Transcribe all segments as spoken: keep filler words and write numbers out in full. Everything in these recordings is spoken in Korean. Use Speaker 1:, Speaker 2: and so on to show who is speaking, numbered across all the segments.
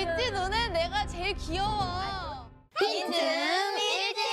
Speaker 1: 있지 눈에 내가 제일 귀여워. 빈틈 일지.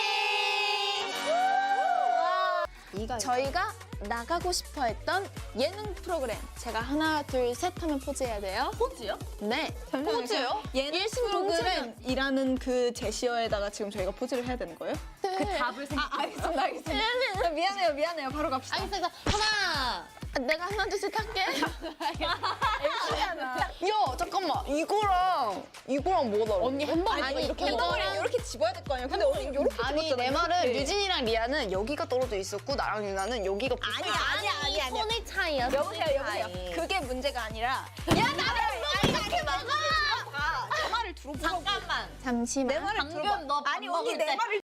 Speaker 1: 저희가 나가고 싶어 했던 예능 프로그램. 제가 하나, 둘, 셋 하면 포즈해야 돼요.
Speaker 2: 포즈요?
Speaker 1: 네.
Speaker 2: 포즈요?
Speaker 1: 예능
Speaker 2: 프로그램이라는 그 제시어에다가 지금 저희가 포즈를 해야 되는 거예요?
Speaker 1: 그 답을 생각.
Speaker 2: 아, 알겠습니다, 알겠습니다. 미안해요, 미안해요. 바로 갑시다.
Speaker 1: 알겠어. 하나. 내가 하나, 둘, 셋 할게.
Speaker 2: 엠씨잖아.
Speaker 3: 야 잠깐만 이거랑 이거랑 뭐가 다르?
Speaker 1: 언니 햄버거
Speaker 2: 아니,
Speaker 1: 이렇게
Speaker 2: 햄버거랑
Speaker 1: 먹어.
Speaker 2: 이렇게 집어야 될 거 아니야? 근데 언니 이렇게
Speaker 3: 아니
Speaker 2: 집었잖아.
Speaker 3: 내 말은
Speaker 2: 이렇게.
Speaker 3: 유진이랑 리아는 여기가 떨어져 있었고 나랑 유나는 여기가
Speaker 2: 아니야, 아니야, 아니야, 아니야.
Speaker 1: 손의 차이야.
Speaker 2: 여보세요,
Speaker 1: 손의
Speaker 2: 여보세요.
Speaker 1: 차이.
Speaker 2: 그게 문제가 아니라
Speaker 1: 야 나를 이렇게 먹어.
Speaker 2: 아, 내 말을 들어보라고.
Speaker 1: 잠깐만. 잠시만.
Speaker 2: 내 말을
Speaker 1: 방금
Speaker 2: 들어봐.
Speaker 1: 너
Speaker 2: 아니,
Speaker 1: 밥
Speaker 2: 언니
Speaker 1: 먹을
Speaker 2: 내
Speaker 1: 때.
Speaker 2: 말을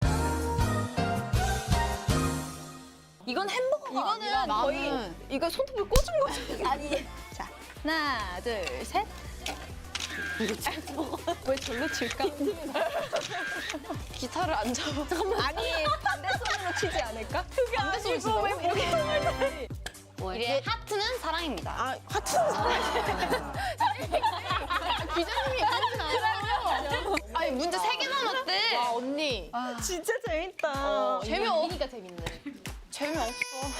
Speaker 2: 이건 햄버거가
Speaker 1: 이거는
Speaker 2: 아니라 거의
Speaker 3: 나는-
Speaker 2: 이거 손톱을 꽂은 거죠. 아니. 자, 하나, 둘, 셋. 왜 절로 칠까?
Speaker 3: 기타를 안 잡아.
Speaker 2: 아니, 반대 손으로 치지 않을까? 그게
Speaker 3: 반대 손으로 친다고?
Speaker 2: 왜 이렇게 손을 대니?
Speaker 3: 이게 하트는 사랑입니다.
Speaker 2: 아, 하트는 사랑해.
Speaker 1: 기자님이 그렇게 나와요.
Speaker 3: 아니 문제 세 개 남았대.
Speaker 1: 와 언니.
Speaker 2: 진짜 재밌다.
Speaker 1: 어, 재미없으니까 재밌네.
Speaker 3: 재미없어.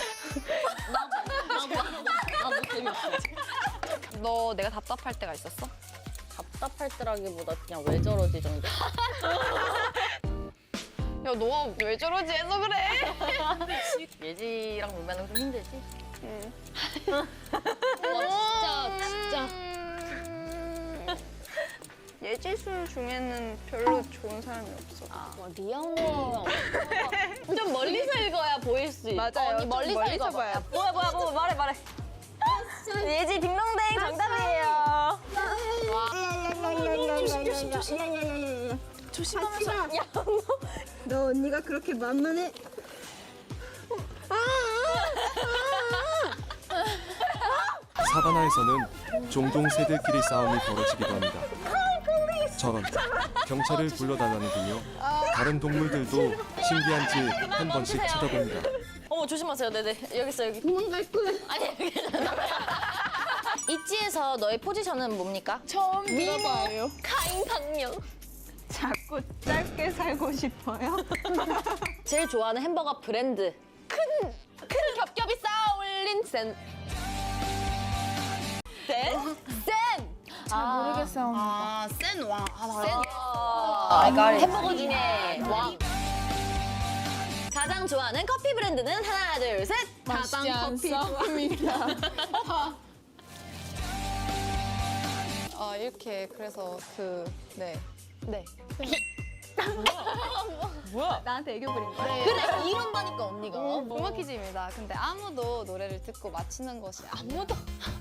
Speaker 1: 나도 재미없어.
Speaker 3: 너 내가 답답할 때가 있었어?
Speaker 1: 답답할 때라기보다 그냥 왜 저러지 정도.
Speaker 3: 야 너가 왜 저러지 해서 그래?
Speaker 1: 예지랑 놀면 좀 힘들지?
Speaker 3: 응.
Speaker 1: 와 진짜 진짜.
Speaker 3: 예지술 중에는 별로 좋은 사람이 없어.
Speaker 1: 와 리아 언니. 좀 멀리서 읽어야 보일 수 있어.
Speaker 2: 맞아요.
Speaker 1: 언니
Speaker 2: 좀
Speaker 1: 멀리서
Speaker 2: 멀리서
Speaker 1: 읽어봐.
Speaker 2: 봐야
Speaker 1: 뭐야 뭐야 뭐 말해 말해.
Speaker 2: 예지 딩동댕 정답이에요. 조심하면서. 야, 너, 너 언니가 그렇게 만만해?
Speaker 4: 사바나에서는 종종 새들끼리 싸움이 벌어지기도 합니다. 저런 경찰을 불러달라는군요. 다른 동물들도 신기한지 한 번씩 쳐다봅니다.
Speaker 1: 어머 조심하세요. 네네 여기 있어 여기. 도망갈 거야. 아니 괜찮아. 있지에서 너의 포지션은 뭡니까?
Speaker 2: 처음 들어봐요.
Speaker 1: 가인강령.
Speaker 2: 자꾸 짧게 살고 싶어요?
Speaker 1: 제일 좋아하는 햄버거 브랜드. 큰, 큰 겹겹이 쌓아 올린 센. 센? 센! 잘 모르겠어.
Speaker 3: 아, 센 왕. 아, 나
Speaker 1: 센.
Speaker 3: 아,
Speaker 1: 햄버거 중에 왕. 가장 좋아하는 커피 브랜드는 하나, 둘, 셋.
Speaker 2: 다방 커피 좋아합니다.
Speaker 3: 아, 이렇게 그래서 그 네. 네.
Speaker 2: 뭐야? 나한테 애교 부린 거야?
Speaker 1: 그래, 이런다니까 언니가.
Speaker 3: 음악 퀴즈입니다. 근데 아무도 노래를 듣고 맞히는 것이 아무도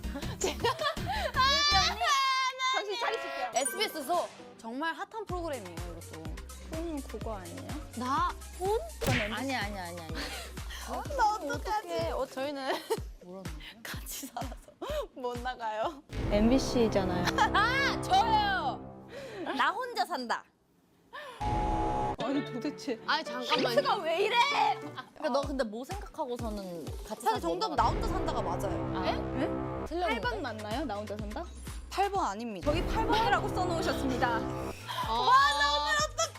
Speaker 2: 정신 차리실게요.
Speaker 3: 에스비에스에서 정말 핫한 프로그램이에요, 이것도.
Speaker 2: 폰 그거 아니에요?
Speaker 3: 나 폰?
Speaker 1: 아니, 아니, 아니, 아니.
Speaker 2: 나 어떡하지?
Speaker 3: 어, 저희는
Speaker 1: 같이 살아서.
Speaker 3: 못 나가요.
Speaker 2: 엠비씨잖아요.
Speaker 1: 아, 저요! 나 혼자 산다.
Speaker 2: 아니 도대체.
Speaker 3: 아니, 잠깐만요.
Speaker 1: 힌트가 왜 이래? 그러니까 너 근데 뭐 생각하고서는 같이
Speaker 3: 사실
Speaker 1: 살고
Speaker 3: 정답
Speaker 1: 넘어갔어?
Speaker 3: 나 혼자 산다가 맞아요.
Speaker 1: 에?
Speaker 2: 팔
Speaker 1: 틀렸는데?
Speaker 2: 번 맞나요? 나 혼자 산다?
Speaker 3: 팔 번 아닙니다.
Speaker 2: 저기 팔 번이라고 써놓으셨습니다.
Speaker 1: 와, 나 오늘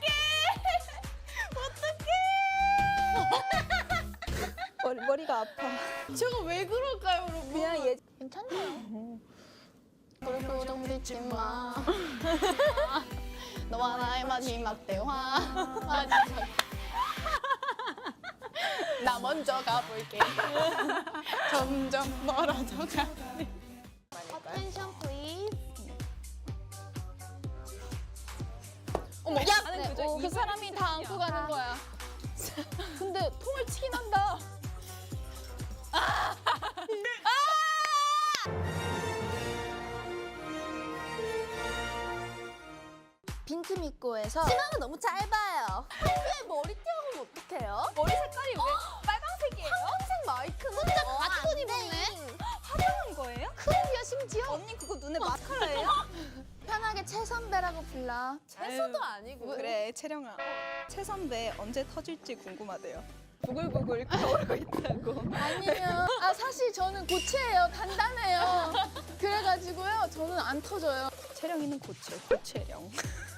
Speaker 2: 머리, 머리가 아파.
Speaker 3: 제가 왜 그럴까요, 여러분?
Speaker 2: 그냥 얘
Speaker 1: 괜찮아요.
Speaker 3: 얼굴 좀 비지 마. 너와 나의 마지막 대화. 마지막. 나 먼저 가볼게. 점점 멀어져 가네.
Speaker 1: Attention please.
Speaker 3: 어머, 야,
Speaker 2: 나는 그저
Speaker 3: 어, 그
Speaker 2: 이걸
Speaker 3: 사람이 다 안고 가는 거야. 근데 통을 치긴 한다.
Speaker 1: 빈틈 입고에서 치마가 너무 짧아요. 평소에 머리띠하고는 어떡해요?
Speaker 2: 머리 색깔이 왜 빨간색이에요?
Speaker 1: 황색 마이크는 혼자 가디건 입었네.
Speaker 2: 화려한 거예요?
Speaker 1: 크림이야 심지어.
Speaker 2: 언니 그거 눈에 마스카라예요?
Speaker 1: 편하게 최 선배라고 불러. 채소도 아니고.
Speaker 2: 그래 채령아. 채 선배 언제 터질지 궁금하대요. 부글부글 끓어오르고 있다고.
Speaker 3: 아니면 아 사실 저는 고체예요. 단단해요. 그래가지고요. 저는 안 터져요.
Speaker 2: 채령이는 고체, 고체령.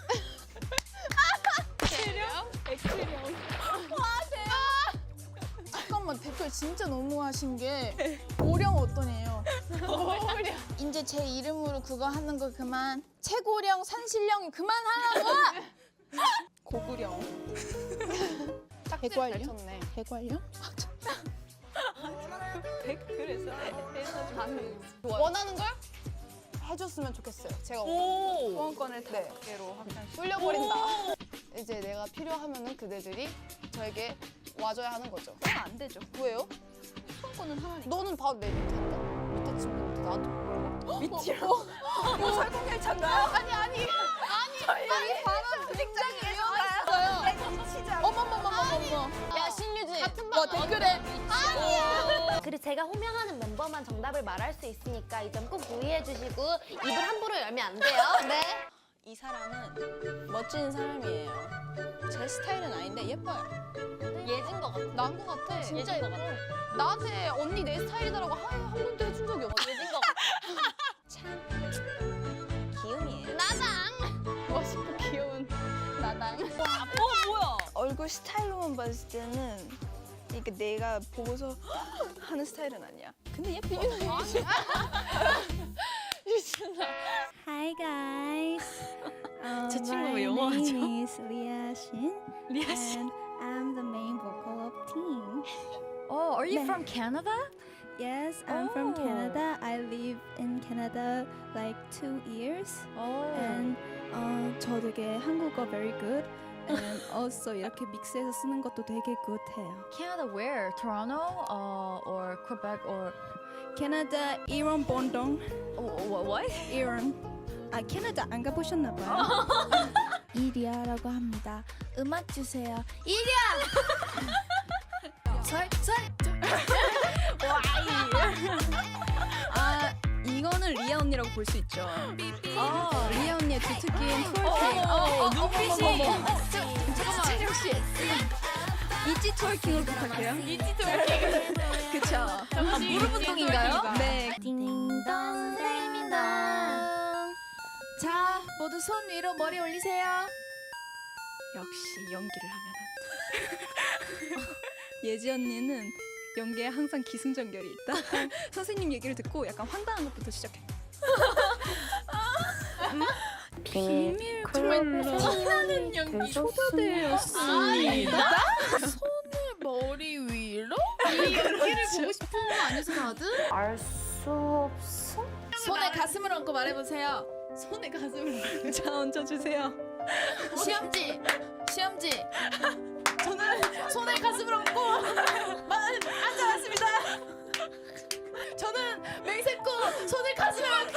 Speaker 3: 액체령? 액체령. 와 대박. 잠깐만 댓글 진짜 너무하신 게 고령 어떠네요. 고령. 이제 제 이름으로 그거 하는 거 그만. 최고령 산신령이 그만하라고.
Speaker 2: 고구령.
Speaker 3: 해관령?
Speaker 2: 쳤네.
Speaker 3: 해관령?
Speaker 2: 댓글에서
Speaker 3: 원하는 걸 해줬으면 좋겠어요. 제가
Speaker 2: 후원권을 다섯 개로 확장.
Speaker 3: 뚫려버린다. 이제 내가 필요하면은 그대들이 저에게 와줘야 하는 거죠.
Speaker 2: 그건 안 되죠.
Speaker 3: 왜요?
Speaker 2: 후원권은 하나니까.
Speaker 3: 너는 바로 내 밑에인데? 밑에 친구인데 나한테 뭐라고?
Speaker 2: 밑이요? 이거 설국열차인가요?
Speaker 3: 아니 아니 아니 아니 바로 굉장히 있어요.
Speaker 2: 미치자.
Speaker 3: 어머머머머머머.
Speaker 1: 야 신유진. 같은
Speaker 3: 뭐 댓글에
Speaker 5: 그리고 제가 호명하는 멤버만 정답을 말할 수 있으니까 이 점 꼭 유의해 주시고 입을 함부로 열면 안 돼요. 네.
Speaker 2: 이 사람은 멋진 사람이에요. 제 스타일은 아닌데 예뻐요.
Speaker 1: 예진 거 같아.
Speaker 3: 난 거 같아.
Speaker 1: 진짜 예진 거 같아.
Speaker 3: 나한테 언니 내 스타일이다라고 한, 한 번도 해준 적이 없어.
Speaker 1: 예진 거 같아.
Speaker 2: 기운이에요.
Speaker 1: 나장.
Speaker 3: 멋있고 귀여운 나당.
Speaker 1: 어 뭐야?
Speaker 2: 얼굴 스타일로만 봤을 때는 이게 내가 보고서 하는 스타일은 아니야. 근데 예뻐.
Speaker 6: Hi guys. Um,
Speaker 1: 제 친구
Speaker 6: my
Speaker 1: 왜 영어하죠?
Speaker 6: name is Lia Shin. Lia Shin. And I'm the main vocal of team.
Speaker 1: Oh, are you
Speaker 6: 네.
Speaker 1: from Canada?
Speaker 6: Yes, I'm from
Speaker 1: Oh.
Speaker 6: Canada. I live in Canada like two years.
Speaker 1: Oh.
Speaker 6: And uh, 저 되게 한국어 very good. And also 이렇게 믹스해서 쓰는 것도 되게 good해요.
Speaker 1: Canada where? Toronto uh, or Quebec or
Speaker 6: 캐나다 이런 본동.
Speaker 1: what? what?
Speaker 6: 이런. 아 캐나다 안 가보셨나 봐요. 이리아라고 합니다. 음악 주세요. 아 이거는 리아 언니라고 볼 수 있죠. 어, 리아 언니의 두특기인 트월킹. 어, 눈빛이. 잠깐만. 씨. 이지 트월킹으로 부탁해요. 이지 트월킹. 그쵸.
Speaker 1: 아, 무릎 운동인가요?
Speaker 6: 네.
Speaker 5: 딩동 댕동.
Speaker 3: 자 모두 손 위로 머리 올리세요.
Speaker 2: 역시 연기를 하면 안 돼. 예지 언니는 연기에 항상 기승전결이 있다. 선생님 얘기를 듣고 약간 황당한 것부터 시작해. 비밀 클럽
Speaker 5: 티나는
Speaker 3: 연기.
Speaker 2: 초대되었습니다.
Speaker 3: 머리 위로? 이 연기를 보고 싶은 거 아니었어 다들?
Speaker 5: 알 수 없어.
Speaker 3: 손에 가슴을 얹고 말해보세요. 손에 가슴을
Speaker 2: 자 얹어주세요.
Speaker 3: 시험지 시험지 저는 손에 가슴을 얹고 만 앉아왔습니다. 저는 맹세코 손에 가슴을 얹고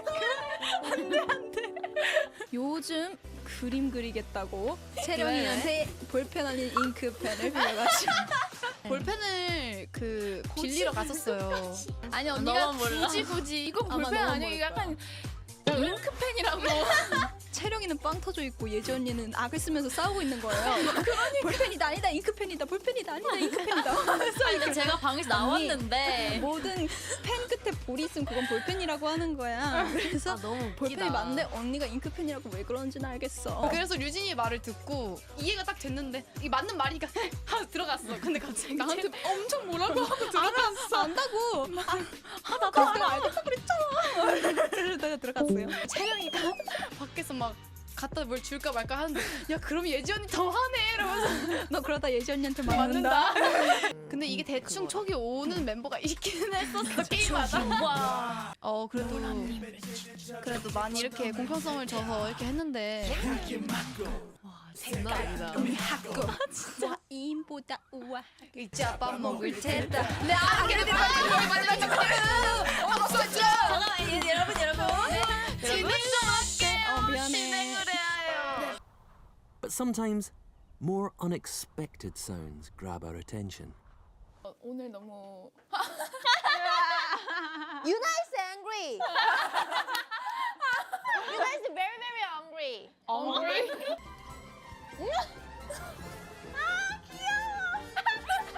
Speaker 2: 요즘 그림 그리겠다고 채령이한테 볼펜 아닌 잉크펜을 빌려가지고
Speaker 3: 볼펜을 그 빌리러 갔었어요. 아니 언니가 굳이 굳이 이건
Speaker 2: 아마
Speaker 3: 볼펜
Speaker 2: 너무
Speaker 3: 아니고
Speaker 2: 모를
Speaker 3: 약간 잉크펜이라고.
Speaker 2: 채령이는 빵 터져 있고 예지 언니는 악을 쓰면서 싸우고 있는 거예요. 볼펜이다 아니다 잉크펜이다 볼펜이다 아니다 잉크펜이다.
Speaker 1: 아니, 근데 제가 방에서 나왔는데
Speaker 2: 모든 펜 끝에 볼이 있으면 그건 볼펜이라고 하는 거야. 그래서
Speaker 1: 아, 너무 웃기다.
Speaker 2: 볼펜이 맞는데 언니가 잉크펜이라고 왜 그러는지는 알겠어.
Speaker 3: 그래서 류진이 말을 듣고 이해가 딱 됐는데 이게 맞는 말이니까 하고 들어갔어. 근데 갑자기 나한테 엄청 뭐라고 하고 들어갔어.
Speaker 2: 안다고. 아, 나도 내가 알겠다 그랬잖아. 그러다가 들어갔어요.
Speaker 3: 채령이가 밖에서 막 갖다 뭘 줄까 말까 하는데 야 그럼 예지 언니 더 하네 이러면서
Speaker 2: 너 그러다 예지 언니한테 맞는다.
Speaker 3: 맞는다. 근데 이게 대충 촉이 오는 멤버가 있기는 했었어 게임마다.
Speaker 1: 와.
Speaker 3: 어 그래도 그래도 많이 이렇게 공평성을 줘서 이렇게 했는데 장난 아니다.
Speaker 2: 진짜 이인보다 우아.
Speaker 3: 이자 밥 먹을 테다. 네, 아, 그래, 내가 빨리 빨리 빨리 빨리. 어, 없었죠.
Speaker 1: 잠깐만 예, 여러분 여러분.
Speaker 3: 진행 좀 할게요.
Speaker 2: 어, 미안해.
Speaker 3: 진행을 해야 해요.
Speaker 7: But sometimes more unexpected sounds grab our attention.
Speaker 3: 어, 오늘 너무
Speaker 5: You guys angry. You guys very very angry.
Speaker 3: 엉리.
Speaker 5: 아 귀여워.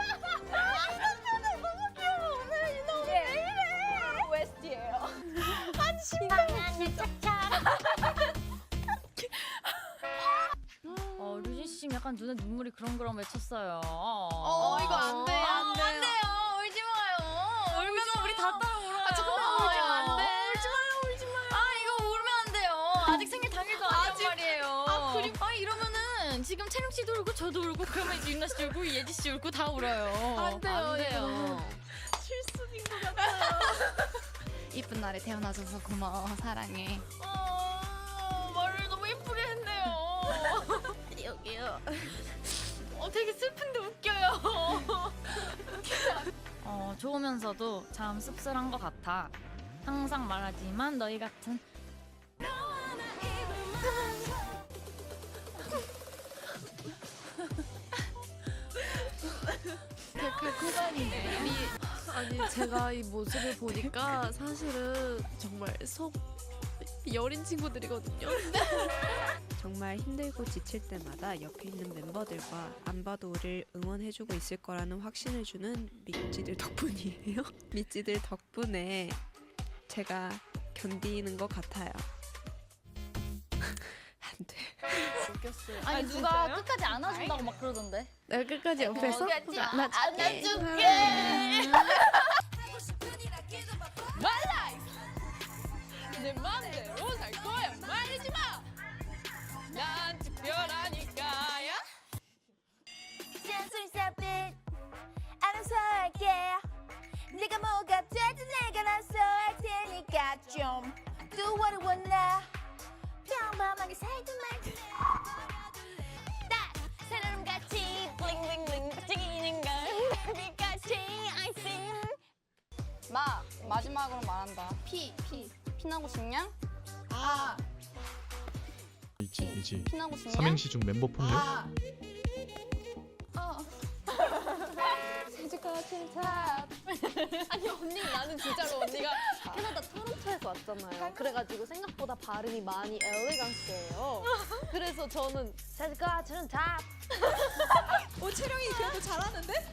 Speaker 5: 방안을 착착.
Speaker 1: 어, 류진 씨 약간 눈에 눈물이 그렁그렁 맺혔어요.
Speaker 3: 어, 이거 안 돼요.
Speaker 1: 안 돼요. 안 돼요. 울지 마요. 울면 우리 다 따라 울어요.
Speaker 3: 아, 잠깐만, 울지 마.
Speaker 1: 안 돼.
Speaker 3: 울지 마요, 울지 마요.
Speaker 1: 아, 이거 울면 안 돼요. 아직 생일 당일도 아니란
Speaker 3: 아직-
Speaker 1: 말이에요.
Speaker 3: 아, 그리고-
Speaker 1: 아, 이러면은 지금 채령 씨도 울고 저도 울고 그러면 이제 윤나 씨 울고 예지 씨 울고 다 울어요.
Speaker 3: 안 돼요,
Speaker 1: 안 돼요.
Speaker 3: 실수인 것 같아요.
Speaker 6: 이쁜 날에 태어나줘서 고마워. 사랑해.
Speaker 1: 어, 말을 너무 예쁘게 했네요.
Speaker 6: 여기요.
Speaker 1: 어, 되게 슬픈데 웃겨요. 어, 좋으면서도 참 씁쓸한 것 같아. 항상 말하지만 너희 같은
Speaker 8: 아니 제가 이 모습을 보니까 사실은 정말 속 여린 친구들이거든요.
Speaker 9: 정말 힘들고 지칠 때마다 옆에 있는 멤버들과 안 봐도 우리를 응원해주고 있을 거라는 확신을 주는 미찌들 덕분이에요. 미찌들 덕분에 제가 견디는 것 같아요. 안 돼.
Speaker 1: 아니 누가 끝까지 안아준다고 막 그러던데.
Speaker 8: 내가 끝까지 옆에서
Speaker 1: 안아줄게.
Speaker 3: 내 맘대로 살 거야. 말리지 마. 난 특별하니까야.
Speaker 5: 잔소리 쌉듯 알아서 할게. 네가 뭐가 되든 내가 알아서 할 테니까 좀 do what I wanna. 평범하게 살든 말든 딱 사람같이 블링블링블링 반짝이는 걸 별빛같이 I sing.
Speaker 6: 마 마지막으로 말한다. 피 피. 피나고 싶냐?
Speaker 3: 아,
Speaker 10: 이지 이지
Speaker 6: 피나고 싶냐?
Speaker 10: 삼행시 중 멤버 폭력
Speaker 3: 아. 어. 세주가 칠탑.
Speaker 5: 아니 언니 나는 진짜로 언니가 캐나다 토론토에서 왔잖아요. 그래가지고 생각보다 발음이 많이 엘레강스예요. 그래서 저는 제가 저는 다
Speaker 2: 오 채령이 그래도 잘하는데?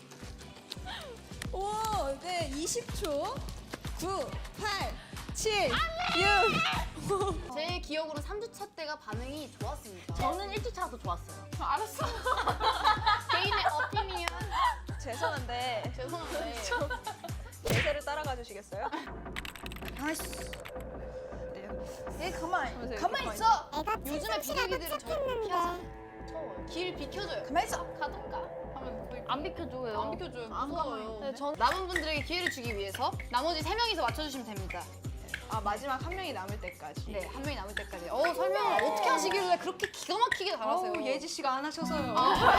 Speaker 2: 오, 네 이십 초. 구, 팔, 칠, 육.
Speaker 6: 제 기억으로 삼 주차 때가 반응이 좋았습니다.
Speaker 1: 저는 일 주차도 좋았어요.
Speaker 3: 알았어.
Speaker 6: 개인의 어피니언.
Speaker 2: 죄송한데
Speaker 6: 죄송한데.
Speaker 2: 대세를 따라가 주시겠어요?
Speaker 3: 얘 가만.
Speaker 2: 보세요,
Speaker 3: 가만
Speaker 2: 가만히
Speaker 3: 있어.
Speaker 6: 요즘에 비둘기들은 저를 피하잖아요. 길 비켜줘요.
Speaker 3: 가만 있어.
Speaker 6: 가던가 하면 뭐
Speaker 1: 안 비켜줘요.
Speaker 6: 안 비켜줘요. 무서워요. 네, 전 남은 분들에게 기회를 주기 위해서 나머지 세 명이서 맞춰주시면 됩니다.
Speaker 3: 아, 마지막 한 명이 남을 때까지.
Speaker 6: 네, 한 명이 남을 때까지. 어, 설명을 어떻게 하시길래 그렇게 기가 막히게 잘하세요?
Speaker 3: 어우, 예지 씨가 안 하셔서요.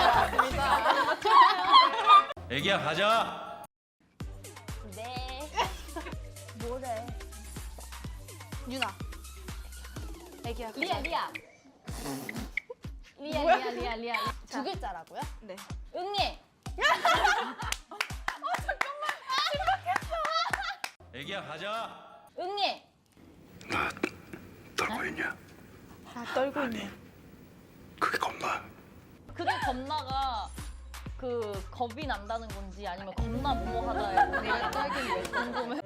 Speaker 11: 애기야 가자.
Speaker 5: 네. 뭐래?
Speaker 6: 유나. 애기야. 가자.
Speaker 1: 리아 리아. 리아 리아 리아 리아.
Speaker 6: 두 글자라고요?
Speaker 3: 네.
Speaker 1: 응애.
Speaker 11: 애기야 가자.
Speaker 1: 응애.
Speaker 11: 떨고 있냐?
Speaker 3: 아, 떨고 있네.
Speaker 11: 그게 겁나.
Speaker 1: 그게 겁나가 그 겁이 난다는 건지 아니면 겁나 뭐뭐하다의 건지.
Speaker 3: 내가 떨긴 왜 궁금해.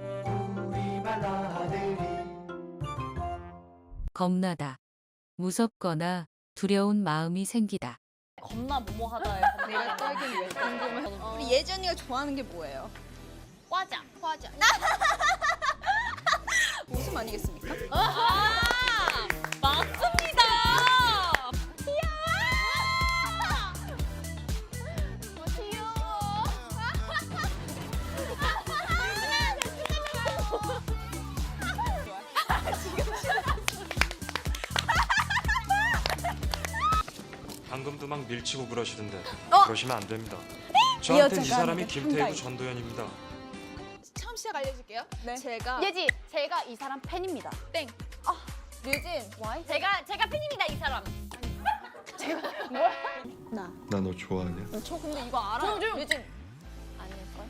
Speaker 12: 겁나다. 무섭거나 두려운 마음이 생기다.
Speaker 1: 겁나 뭐뭐하다의 건지.
Speaker 3: 내가 떨긴 왜 궁금해.
Speaker 2: 우리 예지 언니가 좋아하는 게 뭐예요?
Speaker 1: 과자.
Speaker 3: 화자.
Speaker 2: 웃음 아니겠습니까?
Speaker 1: 아, 맞습니다.
Speaker 4: 방금도 막 밀치고 그러시던데
Speaker 3: 어?
Speaker 4: 그러시면 안 됩니다.
Speaker 3: 이
Speaker 4: 저한테 이
Speaker 3: 여자가
Speaker 4: 사람이
Speaker 3: 아니라
Speaker 4: 김태구
Speaker 3: 한가위.
Speaker 4: 전도연입니다.
Speaker 3: 처음 시작 알려줄게요. 네.
Speaker 2: 제가
Speaker 6: 예지, 제가 이 사람 팬입니다.
Speaker 2: 땡.
Speaker 3: 류진.
Speaker 6: 와이?
Speaker 1: 제가 제가 팬입니다 이 사람.
Speaker 11: 나 너 좋아하냐?
Speaker 3: 저 근데 이거 알아요. 류진.
Speaker 6: 아닐걸?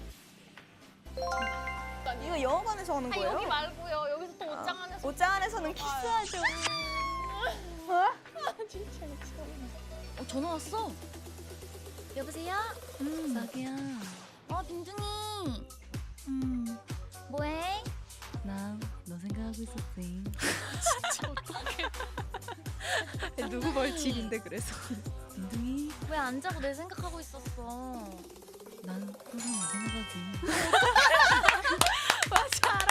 Speaker 2: 이거 영어관에서 하는
Speaker 1: 아니
Speaker 2: 거예요?
Speaker 1: 여기 말고요. 여기서 또 옷장 안에서.
Speaker 2: 옷장 안에서는 키스하죠.
Speaker 1: 어, 전화 왔어.
Speaker 5: 여보세요?
Speaker 1: 음.
Speaker 5: 자기야.
Speaker 1: 어 빈둥이.
Speaker 5: 음. 뭐해?
Speaker 1: 나 너 생각.
Speaker 12: 생각하고 있었지.
Speaker 2: 누구 벌칙인데 그래서.
Speaker 12: 딩동이,
Speaker 1: 왜 안 자고 내 생각하고 있었어?
Speaker 12: 난 항상 내 생각하지.
Speaker 2: 맞아, 알아.